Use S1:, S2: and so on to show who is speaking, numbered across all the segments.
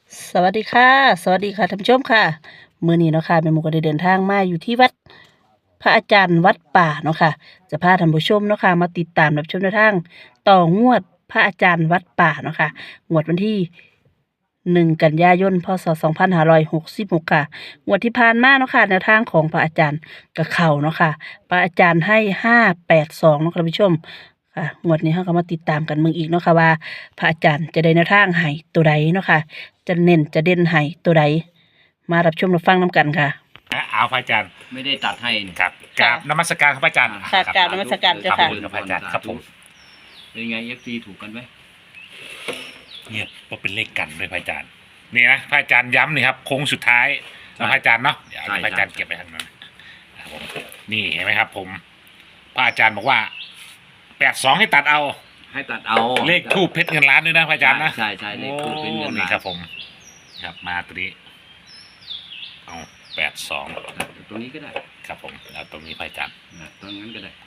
S1: สวัสดีค่ะสวัสดีค่ะท่านผู้ชมค่ะมื้อนี้เนาะค่ะแม่หมูก็ได้เดินทางมาอยู่ที่วัดพระอาจารย์วัดป่าเนาะค่ะจะพาท่านผู้ชมเนาะค่ะมาติดตามรับชมแนวทางต่องวดพระอาจารย์วัดป่าเนาะค่ะงวดวันที่กันยายนพศ2566ค่ะงวดที่ผ่านมาเนาะค่ะแนวทางของพระอาจารย์ก็เข้าเนาะค่ะพระอาจารย์ให้582เนาะค่ะท่านผู้ชมค่ะงวดนี้เราก็มาติดตามกันเบิ่งอีกเนาะค่ะว่าพระอาจารย์จะได้แนวทางให้ตัวใดเนาะค่ะ จะเน้นจะเด่นให้ตัวใดมารับชมรับฟังน้ำกันค่ะ
S2: เอาพระอาจารย์
S3: ไม่ได้ตัดให้นี่
S2: ครับกราบนมัสการครับพระอาจารย์
S1: ค่ะ
S2: ครับ
S1: กราบนมัสการเจ้าค่ะ
S2: ขอบคุณพระอาจารย์ครับผม
S3: เป็นไง FC ถูกกันไหม
S2: เนี่ยก็เป็นเลขกันด้วยพระอาจารย์นี่นะพระอาจารย์ย้ำนี่ครับโค้งสุดท้ายนะพระอาจารย์เนาะเดี๋ยวพระอาจารย์เก็บไปทางนั้นนะครับผมนี่เห็นไหมครับ ผมพระอาจารย์บอกว่า82ให้ตัดเอา
S3: ให้ตัดเอา
S2: เลขทูบเพชรเงินล้านด้วยนะพระอาจารย์นะ
S3: ใช่เลขทูปเป็นเงิน
S2: นี่
S3: ล้าน
S2: ครับผมครับมาตัวนี้เอา82
S3: ตรงนี้ก็ได้
S2: ครับผมแล้วตรงนี้พระอาจารย์
S3: ตรงนั้นก็ได้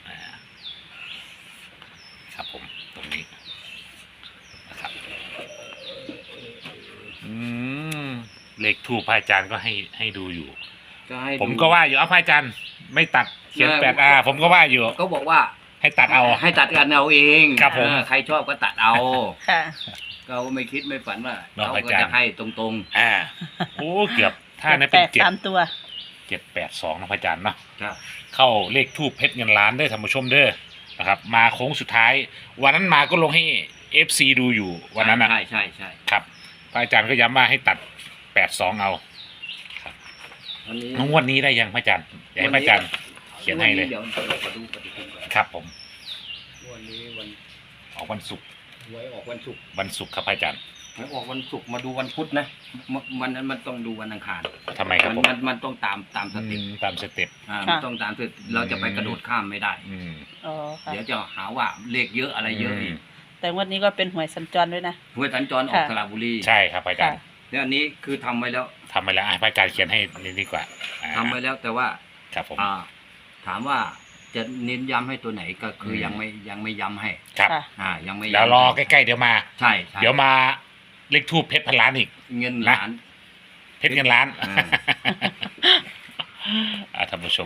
S2: ครับผมตรงนี้นะครับเลขทูปพระอาจารย์ก็ให้ดูอยู่
S3: ก็ให้
S2: ผมก็ว่าอยู่เอาพระอาจารย์ไม่ตัดเขียน8 ผมก็ว่าอยู่
S3: ก็บอกว่า
S2: ให้ตัดเอา
S3: ให้ตัดกันเอาเอง
S2: ครับผม
S3: ใครชอบก็ตัดเอา
S1: ค่ะ
S3: ก็ไม่คิดไม่ฝันว่า
S2: เนาะ
S3: เขา
S2: อา
S3: ก็
S2: จารย์
S3: จะให้ตรง
S2: โอ้เกือบถ้านั้น
S1: แป
S2: เป็น
S1: ดสามตัว
S2: 782นะพระอาจารย์เนาะ
S3: ๆครับ
S2: เข้าเลขทูปเพชรเงินล้านเด้อท่านผู้ชมเด้อนะครับมาโค้งสุดท้าย วันนั้นมาก็ลงให้ FC ดูอยู่วันนั้นนะ
S3: ใช่
S2: ครับพระอาจารย์ก็ย้ำว่าให้ตัด82เอา
S3: วันนี้
S2: งวดนี้ได้ยังพระอาจารย์อยากให้พระอาจารย์เขียนให้เลย
S3: เดี๋ยวเรามาดูปฏิทินก่อน
S2: ครับผม
S3: วันนี้วัน
S2: ออกวันศุกร์
S3: หวยออกวันศุกร์
S2: ครับพระอาจารย์
S3: หวยออกวันศุกร์มาดูวันพุธนะวันนั้นมันต้องดูวันอังคาร
S2: ทำไมครับผม
S3: มันต้องตามสเต็ป
S2: ตามสเต็ป
S3: มันต้องตามสเต็ปเราจะไปกระโดดข้ามไม่ได้
S2: อืม
S1: อ๋อค่ะ
S3: เดี๋ยวจะหาว่าเลขเยอะอะไรเยอะอีก
S1: แต่งวันนี้ก็เป็นหวยสัญจรด้วยนะ
S3: หวยสัญจรออก
S1: ค่ะ
S3: สระบุรี
S2: ใช่ครับพระอาจารย์
S3: แล้วอันนี้คือทำไว้แล้ว
S2: ทำไปแล้วพระอาจารย์เขียนให้นี่ดีกว่าอ่า
S3: ทำไว้แล้วแต่ว่า
S2: ครับผม
S3: ถามว่าจะเน้นย้ำให้ตัวไหนก็คือยังไม่ย้ำให้
S2: ครับ
S1: ค่ะ
S3: ยังไม่
S2: แล้วรอใกล้ๆเดี๋ยวมา
S3: ใช่
S2: เดี๋ยวมาเลขทูบเพชรพันล้านอีก
S3: เงินล้าน
S2: เพชรเงินล้าน
S3: อ่า
S2: ท่านผู้ชม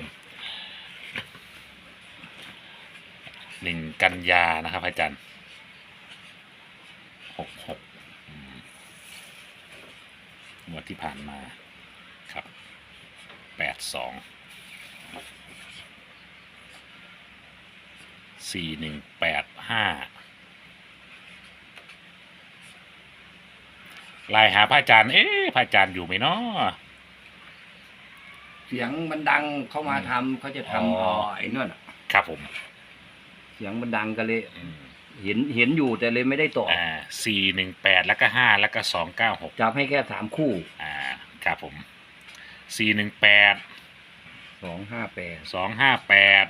S2: 1 กันยานะครับพระอาจารย์66งวดที่ผ่านมาครับ82 4185ไล่หาพระอาจารย์พระอาจารย์อยู่ไหมเนาะ
S3: เสียงมันดังเข้ามาทำเขาจะทำ
S2: อ๋อ
S3: ไอ้นั่นน่ะ
S2: ครับผม
S3: เสียงมันดังก็เลยเห็นอยู่แต่เลยไม่ได้ต่อ
S2: 418แล้วก็5แล้วก็296
S3: จับให้แค่3 คู่
S2: ครับผม418
S3: 258
S2: 258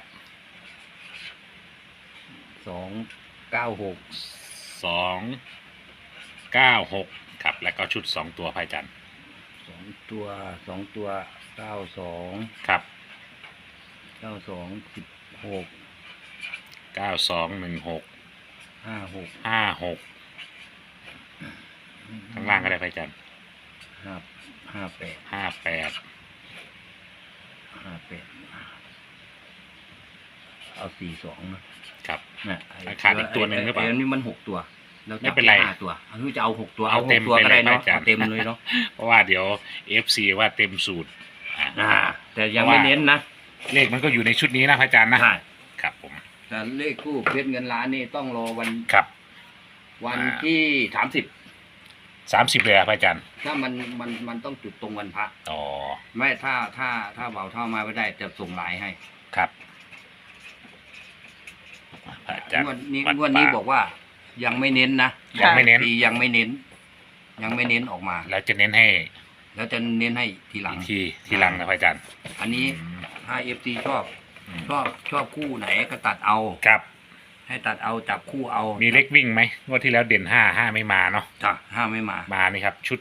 S3: 296
S2: 296ครับแล้วก็ชุด2ตัวพระอาจารย์
S3: 2 ตัว92
S2: ครับ
S3: 16
S2: 9216
S3: 56
S2: 56ข้างล่างก็ได้พระอาจารย์
S3: 58
S2: 58
S3: เอา42นะครับ
S2: ขาดอีกตัวหนึ่งหรือเปล่า
S3: อันนี้มัน6 ตัวแล้ว
S2: ไม่เป็นไร
S3: 5 ตัวอันนี้จะเอา6 ตัว
S2: เอาเต็ม
S3: 6 ตัวก็ได้
S2: ไปเลย
S3: เนาะ
S2: อาจารย์
S3: เอาเต็มเลยเนาะ
S2: เพราะว่าเดี๋ยว FC ว่าเต็มสูตร
S3: แต่ยังไม่เน้นนะ
S2: เลขมันก็อยู่ในชุดนี้นะพระอาจารย์นะ
S3: ใช่
S2: ครับผม
S3: แต่เลขคู่เพชรเงินล้านนี่ต้องรอวัน
S2: ครับ
S3: ที่30
S2: 30เลยอะพระอาจารย์
S3: ถ้ามันต้องจุดตรงวันพระ
S2: อ๋อ
S3: ไม่ถ้าเบาเท่ามาไม่ได้จะส่งไลน์ให้
S2: ครับพระอาจารย์
S3: งวดนี้
S2: วัด
S3: งวดนี้
S2: ป่า
S3: บอกว่ายังไม่เน้นนะ
S2: ยังไม่เน้น
S3: ปียังไม่เน้น ยังไม่เน้นออกมา
S2: แล้วจะเน้นให้
S3: แล้วจะเน้นให้ทีหลัง
S2: อีกทีหลังนะพระอาจารย์
S3: อันนี้
S2: อืม
S3: ถ้า FC ชอบ
S2: อืม
S3: ชอบคู่ไหนก็ตัดเอา
S2: ครับ
S3: ให้ตัดเอาจับคู่เอา
S2: มีเลขวิ่งไหมงวดที่แล้วเด่น5ไม่มาเนาะ
S3: จ้ะห้าไม่มา
S2: มานี่ครับ ชุด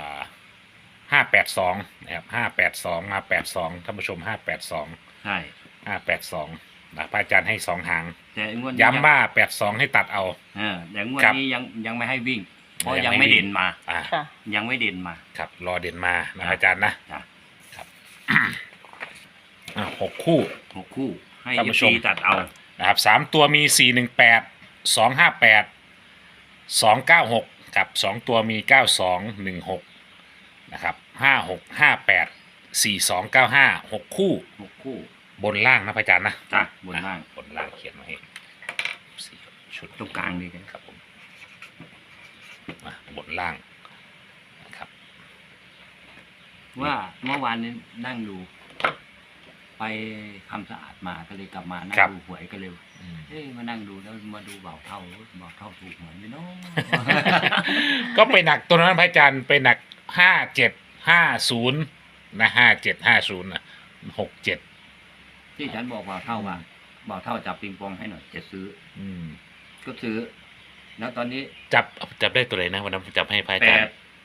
S2: 582นะครับ582มา82ท่านผู้ชม582
S3: ใช่
S2: 582นะพระอาจารย์ให้2 หาง
S3: แต่งวดนี้
S2: ย้ำว่า82ให้ตัดเอา
S3: แต่งวด
S2: ครับ
S3: นี้ยังไม่ให้วิ่งเพราะยังไม่เด่นมา
S1: ค่ะ
S3: ยังไม่เด่นมา
S2: ครับรอเด่นมานะอาจารย์นะ
S3: จ้ะ
S2: ครับ 6 คู่
S3: 6 คู่ให้
S2: ท่านผู้ชม
S3: FC ตัดเอา
S2: นะครับ3ตัวมี418 258 296ครับ2ตัวมี9216นะครับ5658 4295 6 คู่
S3: 6 คู่
S2: บนล่างนะพระอาจารย์นะ
S3: จ้ะบนล่าง
S2: บนล่างเขียนมาให้ชุด
S3: ตรงกลางเลยกัน
S2: ครับผมมาบนล่างนะครับ
S3: ว่าเมื่อวานนี้นั่งดู ไปทำสะอาดมาก็เลยกลับมานั่งดูหวยก็เลยมานั่งดูแล้วมาดูเบาเท่าถูกหวยไหมเนาะ
S2: ก็ไปหนักตัวนั้นพระอาจารย์ไปหนัก5750นะ5750นะ67
S3: ที่ฉันบอกเบาเท่าว่าเบาเท่าจับปิงปองให้หน่อยจะซื้อ ก็ซื้อ แล้วตอนนี้
S2: จับได้ตัวไหนนะวันนั้นผมจับให้พระอา
S3: แป
S2: จาร
S3: ด
S2: ย์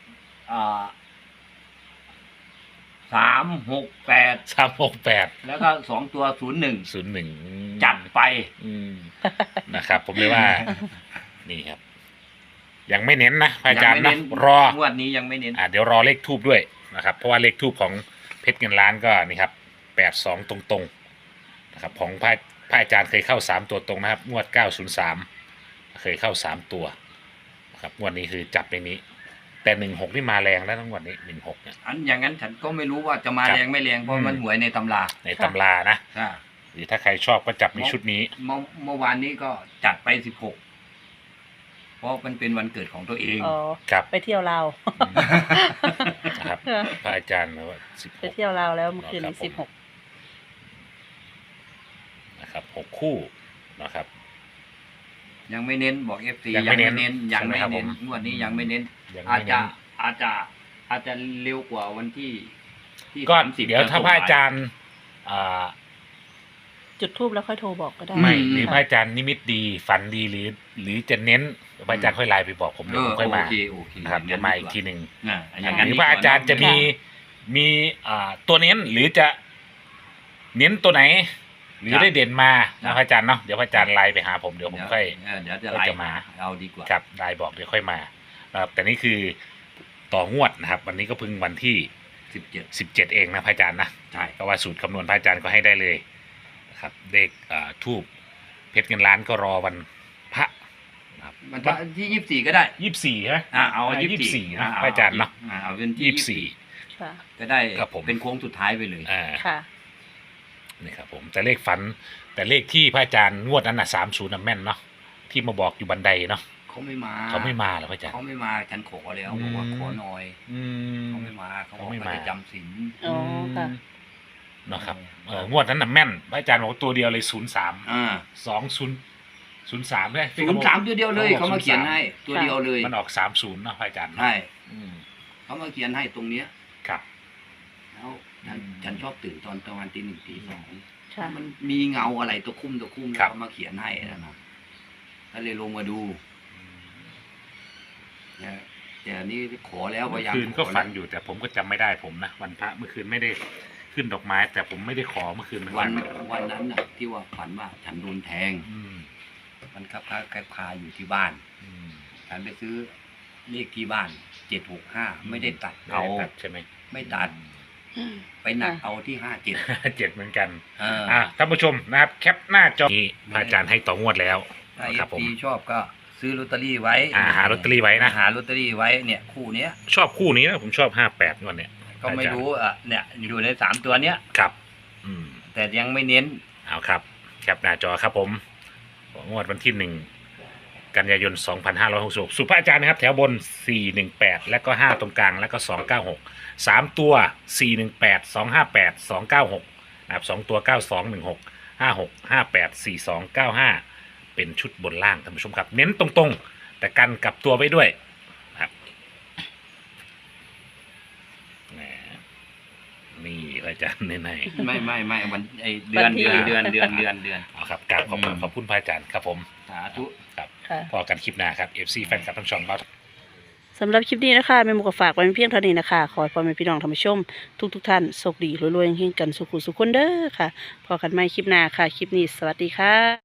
S3: 368
S2: 368
S3: แล้วก็2 ตัว 01 จัดไป
S2: นะครับ ผมเลยว่า นี่ครับ ยังไม่เน้นนะพระอาจารย์
S3: ยัง
S2: นะ
S3: ไม่เน้น
S2: รอง
S3: วดนี้ยังไม่เน้น
S2: เดี๋ยวรอเลขทูบด้วยนะครับ เพราะว่าเลขทูบของเพชรเงินล้านก็นี่ครับ82ตรงๆนะครับของพระอาจารย์เคยเข้า3ตัวตรงนะครับงวด903เคยเข้า3ตัวนะครับงวดนี้คือจับในนี้ แต่16นี่มาแรงแล้วทั้งงวดนี้16เนี่ย
S3: อันอย่างนั้นฉันก็ไม่รู้ว่าจะมา
S2: ครับ
S3: แรงไม่แรงเพราะมันหวยในตำรา
S2: ในตำรานะ
S3: อ่า
S2: หรือถ้าใครชอบก็จับในชุดนี้
S3: เมื่อวานนี้ก็จัดไป16เพราะมันเป็นวันเกิดของตัวเอง
S1: อ๋อ
S2: ครับ
S1: ไปเที่ยวลาว
S2: นะครับพระอาจารย์นะว่า
S1: ไปเที่ยวลาวแล้วเมื่อคืนนี้
S2: ครับผม
S1: 16
S2: นะครับ6คู่นะครับ
S3: ยังไม่เน้นบอก FC
S2: ยังไม่เน้น
S3: ยังไม่
S2: ใช่ไหมครับ
S3: เน้น
S2: ผม
S3: งวดนี้ยังไม่เน้น
S2: ยัง
S3: อา
S2: ไม่
S3: จจะ
S2: เน้น
S3: อาจจะเร็วกว่าวันที่
S2: ก็
S3: 30
S2: เดี๋ยวถ้าพระอาจารย์
S1: จุดทูบแล้วค่อยโทรบอกก็ได้
S2: ไม่หรือพระอาจารย์นิมิตดีฝันดีหรือจะเน้นพระอาจารย์ค่อยไลน์ไปบอกผมเดี๋ยวผมค่อยมา
S3: โอเค
S2: นะครับเดี๋ยวมาอีกทีหนึ่ง
S3: อย่างนั้น
S2: หรือพระอาจารย์จะมีตัวเน้นหรือจะเน้นตัวไหน หรือได้เด่นมานะพระอาจารย์เนาะเดี๋ยวพระอาจารย์ไลน์ไปหาผมเดี๋ยวผมค่อย
S3: เดี๋ยวจะ
S2: ก็
S3: ไล่
S2: จะมา
S3: เอาดีกว่า
S2: ครับไลน์บอกเดี๋ยวค่อยมานะครับแต่นี่คือต่องวดนะครับ วันนี้ก็เพิ่งวันที่
S3: 17
S2: 17เองนะพระอาจารย์นะ
S3: ใช่
S2: ก็ว่าสูตรคำนวณพระอาจารย์ก็ให้ได้เลยนะครับเลขทูบเพชรเงินล้านก็รอวันพระนะครับ
S3: มันที่24ก็ได้
S2: 24ใช่ไหม
S3: เอา
S2: 24นะพระอาจารย์เนาะ
S3: เอาเป็นที่
S2: 24
S1: ค่ะ
S3: ก็ได้
S2: ครับผม
S3: เป็นโค้งสุดท้ายไปเลย
S1: ค่ะ
S2: นี่ครับผมแต่เลขฝันแต่เลขที่พระอาจารย์งวดนั้นน่ะ30น่ะแม่นเนาะที่มาบอกอยู่บันไดเนาะ
S3: เขาไม่มา
S2: เขาไม่มาเหรอพระอาจารย์
S3: เขาไม่มาฉันขอแล้วบอกว่าขอหน่อย
S2: อืม
S3: เขาไม่มาเขาบอก
S2: เขาไม่
S3: เขา
S2: มา
S3: จะจำศีล
S1: อ๋อค่ะ
S2: เนาะครับงวดนั้นน่ะแม่นพระอาจารย์บอกว่าตัวเดียวเลย03
S3: อ่า
S2: 2003เลย
S3: 03ตัวเดียวเลยเขามาเขียนให้ตัวเดียวเลย
S2: มันออก30เนาะพระอาจารย์เนาะ
S3: ใช่
S2: อืม
S3: เขามาเขียนให้ตรงเนี้ย
S2: ครับ
S3: แล้วฉันชอบตื่นตอนประมาณตี 1 ตี 2
S1: ค่ะ
S3: มันมีเงาอะไรตัวคุ้มแล้วเขามาเขียนให้นะก็เลยลงมาดูแต่อันนี้ขอแล้วพยายาม
S2: เมื่อคืนก็
S3: ขอ
S2: ฝัน
S3: แล้ว
S2: อยู่แต่ผมก็จำไม่ได้ผมนะวันพระเมื่อคืนไม่ได้ขึ้นดอกไม้ แต่ผมไม่ได้ขอเมื่อคืนเหมือน
S3: วั
S2: กัน
S3: นนั้นน่ะ ที่ว่าฝันว่าฉันโดนแทง
S2: อืม
S3: มันคาอยู่ที่บ้าน
S2: อืม
S3: ฉันไปซื้อเลขที่บ้าน765ไม่ได้ตัดเอา
S2: ไม่ได้ตัดใช่ไหม
S3: ไม่ตัดไปหนักเอาที่57
S2: 7เหมือนกัน
S3: อ่า
S2: ท่านผู้ชมนะครับแคปหน้าจอนี่พระอาจารย์ให้ต่องวดแล้ว
S3: ถ้า
S2: นะครับผม
S3: FP ชอบก็ซื้อลอตเตอรี่ไว้
S2: หาลอตเตอรี่ไว้นะ
S3: หาลอตเตอรี่ไว้เนี่ยคู่เนี้ย
S2: ชอบคู่นี้นะผมชอบ58งวดเนี่ย
S3: ก็ไม่รู้เนี่ยอยู่ใน3ตัวเนี้ย
S2: ครับ อืม
S3: แต่ยังไม่เน้น
S2: เอาครับแคปหน้าจอครับผมงวดวันที่1 กันยายน 2566สุภาพอาจารย์นะครับ แถวบน 418 แล้วก็ 5 ตรงกลาง แล้วก็ 296 3 ตัว 418 258 296 นะครับ 2 ตัว 9216 56 58 42 95 เป็นชุดบนล่างท่านผู้ชมครับ เน้นตรงๆ แต่กันกลับตัวไว้ด้วยนะครับแหมนี่อาจารย์ใน
S3: ไม่วันไอเดื
S1: วั
S3: อน
S1: นที่
S3: เดือน
S2: เอาครับกราบขอบคุณพระอาจารย์ครับผม
S3: สาธุ
S2: ครับ
S1: ค่ะ
S2: พอกันคลิปหน้าครับ FC แฟนคลับทั้งช่องเรา
S1: สำหรับคลิปนี้นะคะแม่หมูก็ฝากไว้เพียงเท่านี้นะคะ ขอให้พ่อแม่พี่น้องท่านผู้ชม ทุกท่านโชคดีรวยๆเฮงๆกันสุขุสุขคนเด้อค่ะ พอกันใหม่คลิปหน้าค่ะ คลิปนี้สวัสดีค่ะ